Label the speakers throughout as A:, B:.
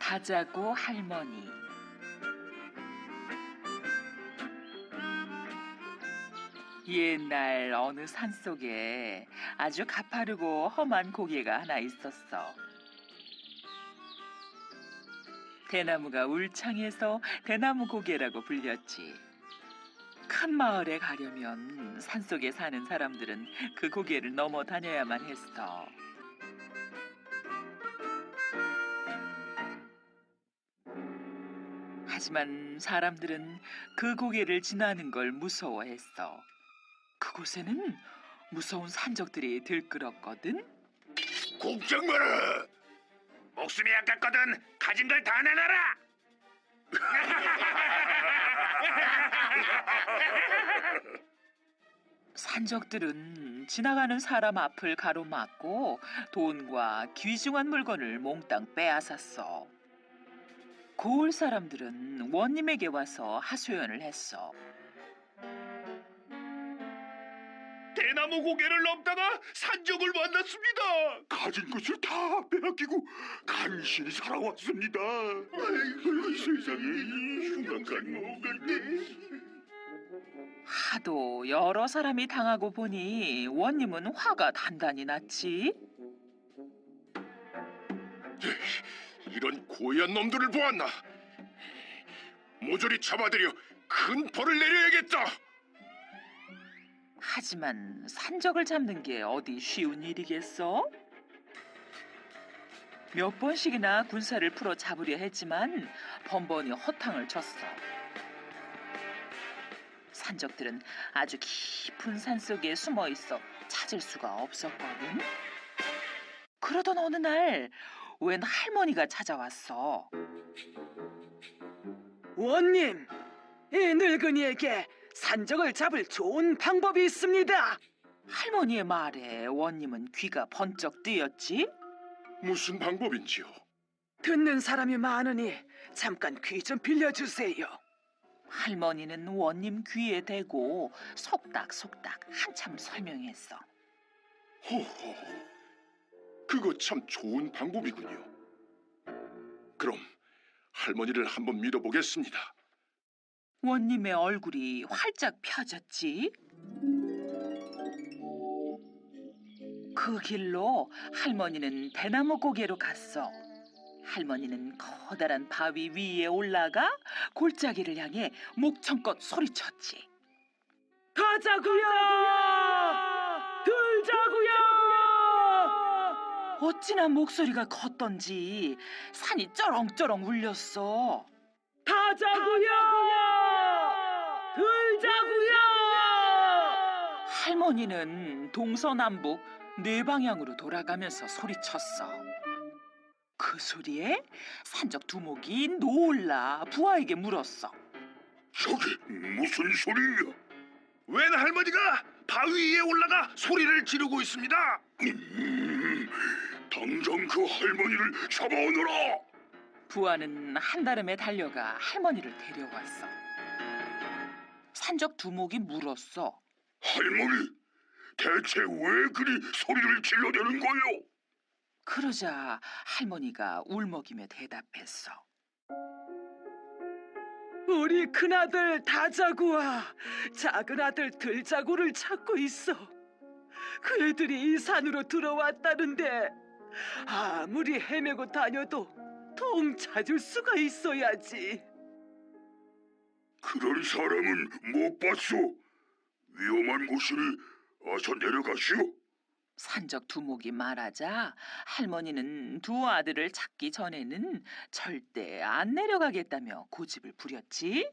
A: 다자구 할머니. 옛날 어느 산속에 아주 가파르고 험한 고개가 하나 있었어. 대나무가 울창해서 대나무 고개라고 불렸지. 큰 마을에 가려면 산속에 사는 사람들은 그 고개를 넘어 다녀야만 했어. 하지만 사람들은 그 고개를 지나는 걸 무서워했어. 그곳에는 무서운 산적들이 들끓었거든.
B: 걱정 마라. 목숨이 아깝거든 가진 걸 다 내놔라.
A: 산적들은 지나가는 사람 앞을 가로막고 돈과 귀중한 물건을 몽땅 빼앗았어. 고을 사람들은 원님에게 와서 하소연을 했어.
B: 대나무 고개를 넘다가 산적을 만났습니다. 가진 것을 다 빼앗기고 간신히 살아왔습니다. 아이고 세상에 흉악한 뭔가인데.
A: 하도 여러 사람이 당하고 보니 원님은 화가 단단히 났지.
B: 이런 고얀 놈들을 보았나. 모조리 잡아들여 큰 벌을 내려야겠다.
A: 하지만 산적을 잡는 게 어디 쉬운 일이겠어? 몇 번씩이나 군사를 풀어 잡으려 했지만 번번이 허탕을 쳤어. 산적들은 아주 깊은 산속에 숨어 있어 찾을 수가 없었거든. 그러던 어느 날 웬 할머니가 찾아왔어.
C: 원님, 이 늙은이에게 산적을 잡을 좋은 방법이 있습니다.
A: 할머니의 말에 원님은 귀가 번쩍 뜨였지.
B: 무슨 방법인지요?
C: 듣는 사람이 많으니 잠깐 귀 좀 빌려주세요.
A: 할머니는 원님 귀에 대고 속닥속닥 한참 설명했어.
B: 호호, 그거 참 좋은 방법이군요. 그럼 할머니를 한번 믿어보겠습니다.
A: 원님의 얼굴이 활짝 펴졌지. 그 길로 할머니는 대나무 고개로 갔어. 할머니는 커다란 바위 위에 올라가 골짜기를 향해 목청껏 소리쳤지.
C: 가자구요! 들자구요!
A: 어찌나 목소리가 컸던지 산이 쩌렁쩌렁 울렸어.
C: 가자구요! 들자구요!
A: 할머니는 동서남북 네 방향으로 돌아가면서 소리쳤어. 그 소리에 산적 두목이 놀라 부하에게 물었어.
B: 저게 무슨 소리냐? 웬 할머니가 바위 위에 올라가 소리를 지르고 있습니다. 당장 그 할머니를 잡아오너라.
A: 부하는 한달음에 달려가 할머니를 데려왔어. 산적 두목이 물었어.
B: 할머니, 대체 왜 그리 소리를 질러대는 거요?
A: 그러자 할머니가 울먹이며 대답했어.
C: 우리 큰아들 다자구와 작은 아들 들자구를 찾고 있어. 그 애들이 이 산으로 들어왔다는데 아무리 헤매고 다녀도 통 찾을 수가 있어야지.
B: 그런 사람은 못 봤소. 위험한 곳이니 어서 내려가시오.
A: 산적 두목이 말하자 할머니는 두 아들을 찾기 전에는 절대 안 내려가겠다며 고집을 부렸지.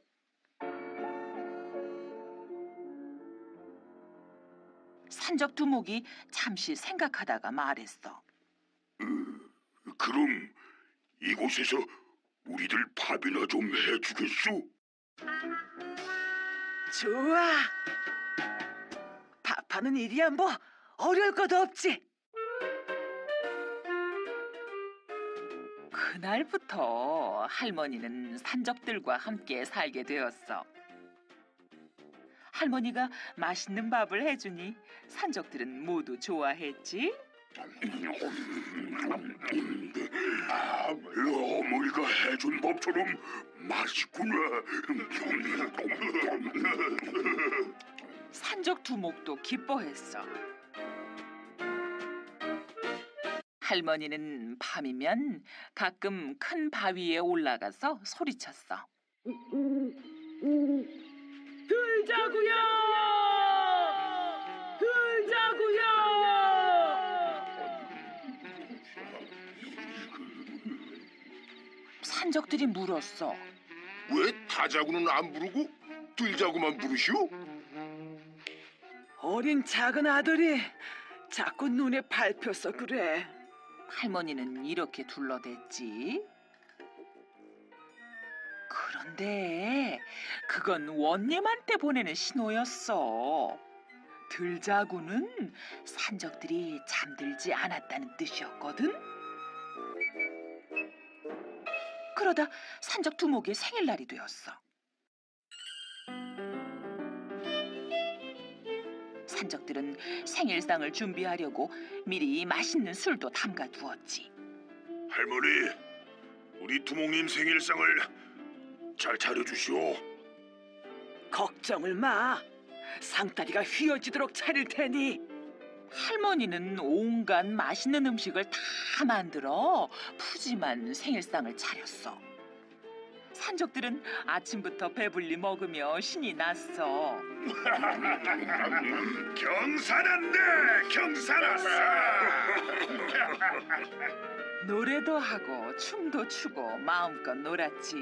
A: 산적 두목이 잠시 생각하다가 말했어.
B: 그럼 이곳에서 우리들 밥이나 좀 해주겠소?
C: 좋아. 밥하는 일이야 뭐 어려울 것도 없지.
A: 그날부터 할머니는 산적들과 함께 살게 되었어. 할머니가 맛있는 밥을 해주니 산적들은 모두 좋아했지.
B: 어머니가 해준 밥처럼 맛있구나.
A: 산적 두목도 기뻐했어. 할머니는 밤이면 가끔 큰 바위에 올라가서 소리쳤어.
C: 들자구요! 들자구요!
A: 산적들이 물었어.
B: 왜 타자구는 안 부르고 들자구만 부르시오?
C: 어린 작은 아들이 자꾸 눈에 밟혀서 그래.
A: 할머니는 이렇게 둘러댔지. 그런데 그건 원님한테 보내는 신호였어. 들자구는 산적들이 잠들지 않았다는 뜻이었거든. 그러다 산적 두목의 생일날이 되었어. 산적들은 생일상을 준비하려고 미리 맛있는 술도 담가 두었지.
B: 할머니, 우리 두목님 생일상을 잘 차려주시오.
C: 걱정을 마. 상다리가 휘어지도록 차릴 테니.
A: 할머니는 온갖 맛있는 음식을 다 만들어 푸짐한 생일상을 차렸어. 산적들은 아침부터 배불리 먹으며 신이 났어.
B: 경사났네, 경사났어.
A: 노래도 하고 춤도 추고 마음껏 놀았지.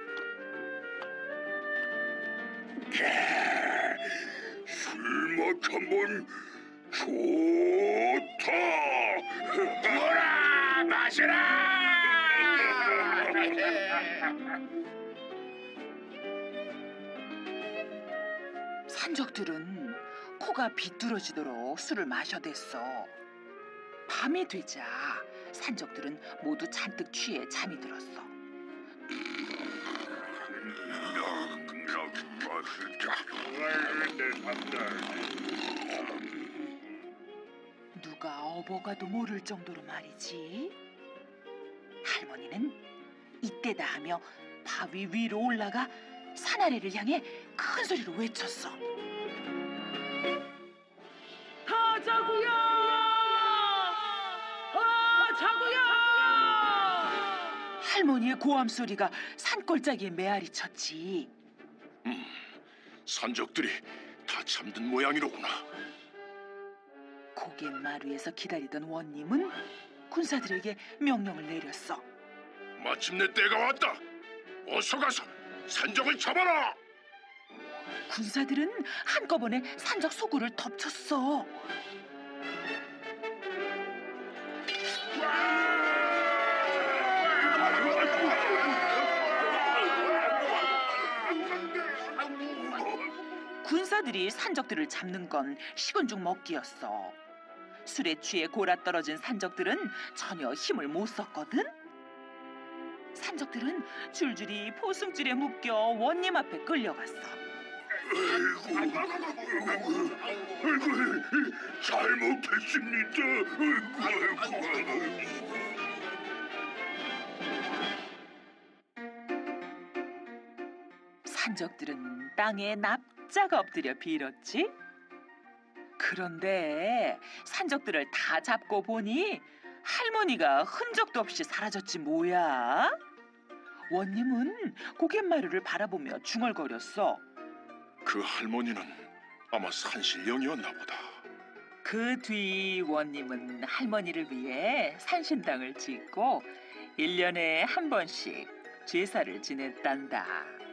B: 술맛 한번 좋다. 부어라, 마시라.
A: 산적들은 코가 비뚤어지도록 술을 마셔댔어. 밤이 되자 산적들은 모두 잔뜩 취해 잠이 들었어. 누가 어버가도 모를 정도로 말이지. 할머니는 이때다 하며 바위 위로 올라가 산 아래를 향해 큰 소리로 외쳤어.
C: 하자구요! 하자구요!
A: 할머니의 고함 소리가 산골짜기에 메아리 쳤지.
B: 산적들이 다 잠든 모양이로구나.
A: 고갯마루에서 기다리던 원님은 군사들에게 명령을 내렸어.
B: 마침내 때가 왔다. 어서 가서 산적을 잡아라.
A: 군사들은 한꺼번에 산적 소굴을 덮쳤어. 군사들이 산적들을 잡는 건 식은 죽 먹기였어. 술에 취해 골아떨어진 산적들은 전혀 힘을 못 썼거든. 산적들은 줄줄이 포승줄에 묶여 원님 앞에 끌려갔어.
B: 아이고, 잘못했습니다. 아이고.
A: 산적들은 땅에 납작 엎드려 빌었지. 그런데 산적들을 다 잡고 보니 할머니가 흔적도 없이 사라졌지 뭐야. 원님은 고갯마루를 바라보며 중얼거렸어.
B: 그 할머니는 아마 산신령이었나 보다.
A: 그 뒤 원님은 할머니를 위해 산신당을 짓고 1년에 한 번씩 제사를 지냈단다.